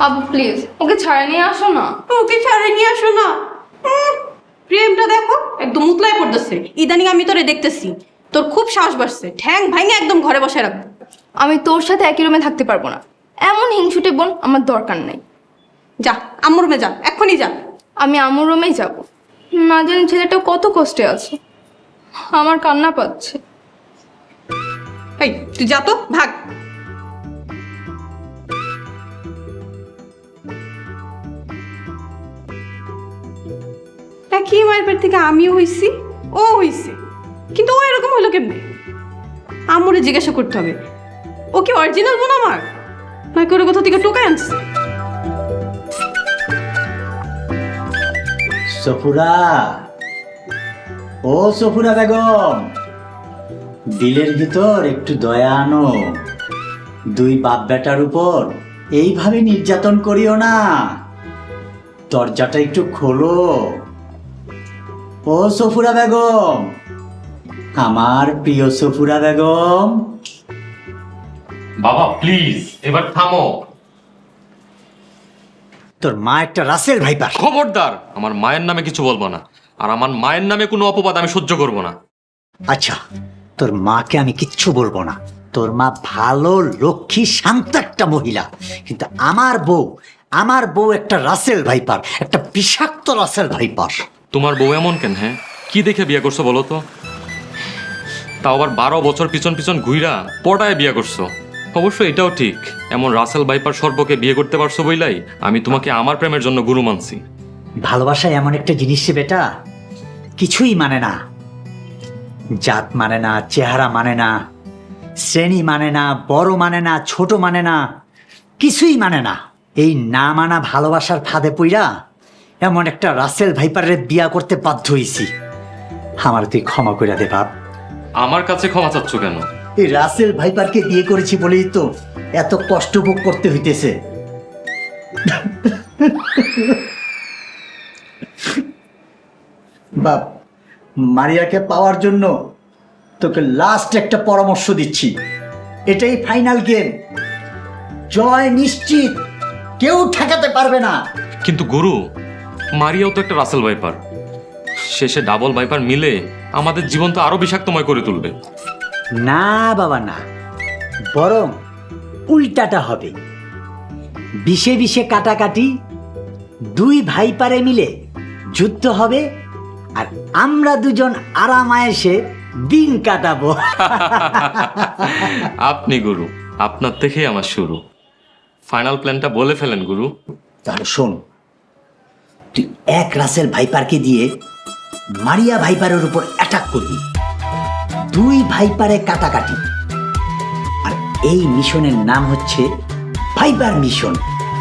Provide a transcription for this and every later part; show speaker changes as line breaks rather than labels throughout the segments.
আপু please okay ছাড়ে নিয়ে আসো না।
ওকে ছাড়ে নিয়ে আসো না। প্রেমটা দেখো একদম উতলায় পড়তেছে। ইদানিং আমি তোরে দেখতেছি, তোর খুব সাহস বাড়ছে, ঠ্যাং ভাঙে একদম ঘরে বসায় রাখবো।
আমি তোর সাথে একই রুমে থাকতে পারবো না, এমন হিংসুটে বোন আমার দরকার নেই।
যা আম্মুর রুমে যা, এক্ষুনি যা।
আমি আম্মুর রুমেই যাব, না জানি ছেলেটা কত কষ্টে আছে, আমার কান্না পাচ্ছে।
এই তুই যা তো, ভাগ। কি মায়ের পেট থেকে আমিও হইছি, ও হইছে, কিন্তু ও এরকম হলো কেমনে? আম্মুরে জিজ্ঞাসা করতে হবে, ও কি অরিজিনাল বোন আমার, নাকি ওর কোথা থেকে টোকায় আনছে?
সফুরা, ও সফুরা বেগম, দিলের ভিতর একটু দয়া আনো। দুই বাপ বেটার উপর এইভাবে নির্যাতন করিও না। দরজাটা একটু খোলো। ও সফুরা বেগম, আমার প্রিয় সফুরা বেগম।
বাবা প্লিজ এবার থামো।
তোর মা একটা রাসেল ভাইপার।
খবরদার, আমার মায়ের নামে কিছু বলবো না, আর আমার মায়ের নামে কোনো অপবাদ আমি সহ্য করব না।
আচ্ছা, তোর মাকে আমি কিচ্ছু বলবো না। তোর মা ভালো, লক্ষ্মী, শান্ত একটা মহিলা, কিন্তু আমার বউ একটা রাসেল ভাইপার, একটা বিষাক্ত রাসেল ভাইপার।
তোমার বউ এমন কেন? হ্যাঁ, কি দেখে বিয়ে করছো বলো তো? তাও আবার 12 বছর পিছন পিছন ঘুইরা পটায় বিয়ে করছো। অবশ্য এটাও ঠিক, এমন রাসেল ভাইপার সর্বকে বিয়ে করতে পারছো বইলাই আমি তোমাকে আমার প্রেমের জন্য গুরু মানছি।
ভালোবাসা এমন একটা জিনিস রে বেটা, কিছুই মানে না। জাত মানে না, চেহারা মানে না, শ্রেণী মানে না, বড় মানে না, ছোট মানে না, কিছুই মানে না। এই না মানা ভালোবাসার ফাঁদে পইরা এমন একটা রাসেল ভাইপারের বিয়া করতে বাধ্য হইছি। আমার তুই ক্ষমা করে দে বাপ।
আমার কাছে ক্ষমা চাচ্ছ কেন?
এই রাসেল ভাইপারকে বিয়ে করেছি বলেই তো এত কষ্ট ভোগ করতে হইতেছে। বাপ, মারিয়াকে পাওয়ার জন্য তোকে লাস্ট একটা পরামর্শ দিচ্ছি। এটাই ফাইনাল গেম, জয় নিশ্চিত, কেউ ঠেকাতে পারবে না।
কিন্তু গুরু, মারিয়াও তো একটা রাসেল ভাইপার, শেষে ডাবল ভাইপার মিলে আমাদের জীবন তো আরো বিষাক্তময় করে তুলবে।
না বাবা না, বরং উল্টাটা হবে। বিষে বিষে কাটাকাটি, দুই ভাইপারে মিলে যুদ্ধ হবে, আর আমরা দুজন আরামায়েশে দিন কাটাবো।
আপনি গুরু, আপনার থেকেই আমার শুরু। ফাইনাল প্ল্যানটা বলে ফেলেন গুরু।
তাহলে শোন, তুই এক রাসেল ভাইপারকে দিয়ে মারিয়া ভাইপারের উপর অ্যাটাক করবি, দুই ভাইপারে কাটাকাটি, আর এই মিশনের নাম হচ্ছে ভাইপার মিশন।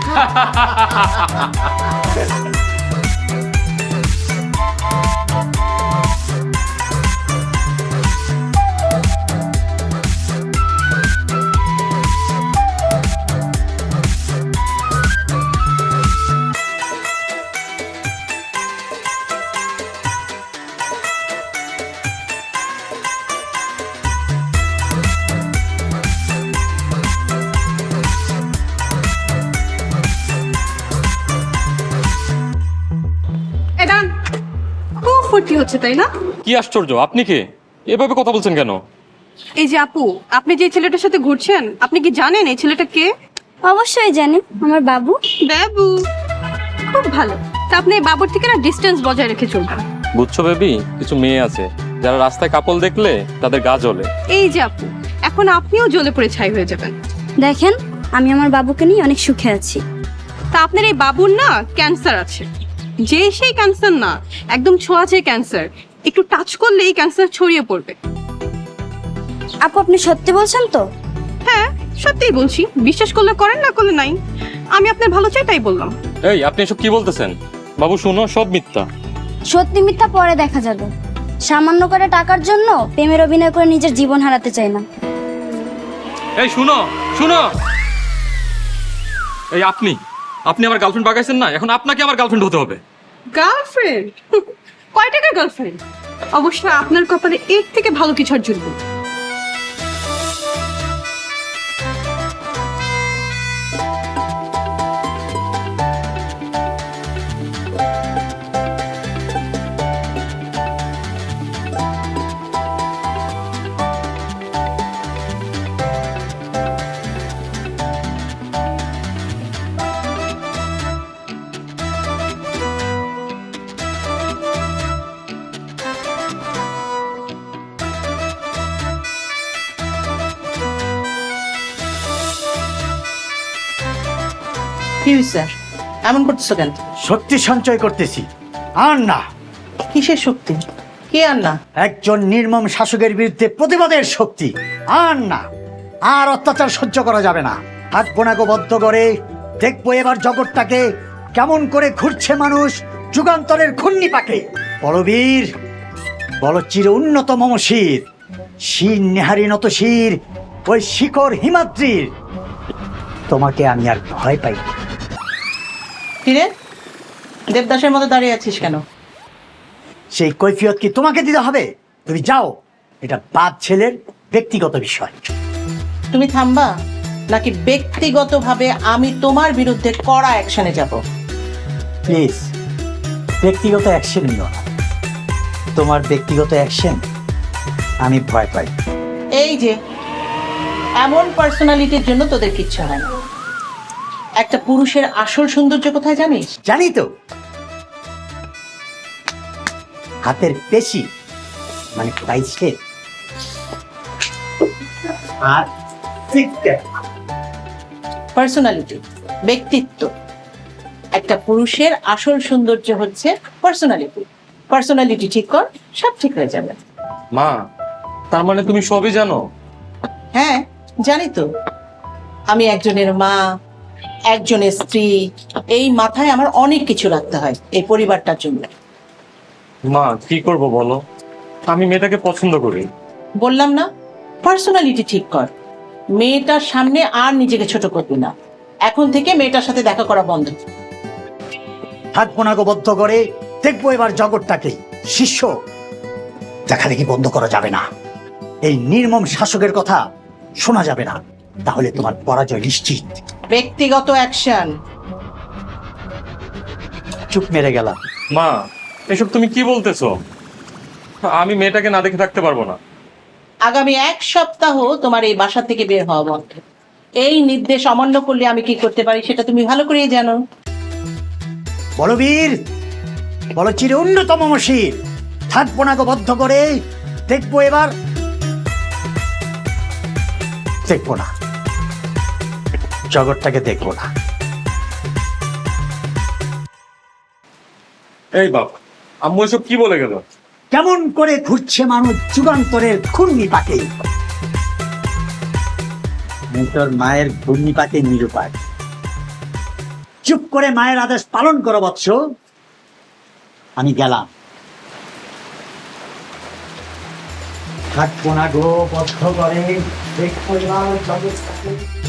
এটা খুব ফুর্তি হচ্ছে তাই না?
কি আশ্চর্য, আপনি কে? এভাবে কথা বলছেন কেন?
এই যে আপু, আপনি যে ছেলেটার সাথে ঘুরছেন, আপনি কি জানেন এই ছেলেটা কে?
অবশ্যই জানি, আমার বাবু।
বাবু? খুব ভালো। তা আপনি এই বাবুর থেকে না ডিস্টেন্স বজায় রেখে চলবেন।
বুঝছো বেবি, কিছু মেয়ে আছে যারা রাস্তায় কাপল দেখলে তাদের গা জ্বলে।
এই যে আপু, এখন আপনিও জ্বলে পড়ে ছাই হয়ে যাবেন।
দেখেন, আমি আমার বাবুকে নিয়ে অনেক সুখে আছি।
তা আপনার এই বাবুর না ক্যান্সার আছে, যে সেই ক্যান্সার না, একদম ছোঁয়াচে ক্যান্সার। একটু টাচ করলে এই ক্যান্সার ছড়িয়ে পড়বে।
আপু, আপনি সত্যি বলছেন তো?
হ্যাঁ, সত্যিই বলছি, বিশ্বাস করলে করেন, না করলে নাই। আমি আপনার ভালো চাই তাই বললাম।
এই, আপনি এসব কি বলতেছেন? বাবু শুনো, সব মিথ্যা।
সত্যি মিথ্যা পরে দেখা যাবে। সামান্য করে টাকার জন্য প্রেমের অভিনয় করে নিজের জীবন হারাতে চাই না।
এই শুনো শুনো, এই আপনি আপনি আমার গার্লফ্রেন্ড বাগাইছেন না, এখন আপনাকে আমার গার্লফ্রেন্ড হতে হবে।
গার্লফ্রেন্ড? কয় টাকার গার্লফ্রেন্ড? অবশ্য আপনার কপালে এর থেকে ভালো কিছু আর জুটবে।
কি হয়েছে? এমন করতেছো কেন?
শক্তি সঞ্চয় করতেছি। আর না,
কিসের শক্তি? কি আর না?
একজন নির্মম শাসকের বিরুদ্ধে প্রতিবাদের শক্তি। আর না, আর অত্যাচার সহ্য করা যাবে না। হাত বোনাকে বদ্ধ করে দেখবো এবার জগৎটাকে কেমন করে ঘুরছে মানুষ যুগান্তরের ঘূর্ণি পাকে। বলবীর, বল চির উন্নত মমশির, শির নেহারি নত শির, ওই শিখর হিমাদ্রির। তোমাকে আমি আর ভয় পাই না।
কিরে, দেবদাসের মতো দাঁড়িয়ে আছিস কেন?
সেই কৈফিয়ত কি তোমাকে দিতে হবে? তুমি যাও, এটা বাপ ছেলের ব্যক্তিগত বিষয়।
তুমি থামবা নাকি ব্যক্তিগতভাবে আমি তোমার বিরুদ্ধে কড়া অ্যাকশনে যাব?
প্লিজ, ব্যক্তিগত অ্যাকশন নিও না। তোমার ব্যক্তিগত অ্যাকশন আমি ভয় পাই।
এই যে এমন পার্সোনালিটির জন্য তোদের কিচ্ছু হয় না। একটা পুরুষের আসল সৌন্দর্য কোথায় জানিস?
জানি তো, হাতের পেশি মানে পাইছে আর
পার্সোনালিটি, ব্যক্তিত্ব। একটা পুরুষের আসল সৌন্দর্য হচ্ছে পার্সোনালিটি। পার্সোনালিটি ঠিক কর, সব ঠিক হয়ে যাবে।
মা, তার মানে তুমি সবই জানো?
হ্যাঁ, জানি তো। আমি একজনের মা, একজনের স্ত্রী, এই মাথায় আমার অনেক কিছু রাখতে হয় এই পরিবারটার জন্য।
মা, কি করব বলো? আমি মেয়েটাকে পছন্দ করি।
বললাম না, পার্সোনালিটি ঠিক কর। মেয়েটার সামনে আর নিজেকে ছোট করবি না। এখন থেকে মেয়েটার সাথে দেখা করা বন্ধ।
হাত বোনাকে বদ্ধ করে দেখবো এবার জগৎটাকে। শিষ্য, দেখাদেখি বন্ধ করা যাবে না। এই নির্মম শাসকের কথা শোনা যাবে না, তাহলে তোমার পরাজয় নিশ্চিত।
ব্যক্তিগত অ্যাকশন।
চুপ মেরে গেলাম।
মা, এসব তুমি কি বলতেছো? আমি মেয়েটাকে না দেখে থাকতে পারবো না।
আগামী 1 সপ্তাহ তোমার এই বাসা থেকে বের হওয়া বন্ধ। এই নির্দেশ অমান্য করলে আমি কি করতে পারি সেটা তুমি ভালো করেই জানো।
বলবীর, বল চির উন্নত মমশির, হাত বোনাকে বদ্ধ করে দেখবো এবার। দেখবো না, জগৎটাকে দেখবো না।
এই বাপ, আম্মু এসব কি বলে গেল?
কেমন করে ঘুরছে মানুষ যুগান্তরের ঘূর্ণি পাকে। তোর মায়ের ঘূর্ণি পাকে নিরুপায়। চুপ করে মায়ের আদেশ পালন করো বৎস। আমি গেলাম। থাকবো না গো বদ্ধ করে দেখবো এবার জগৎটাকে।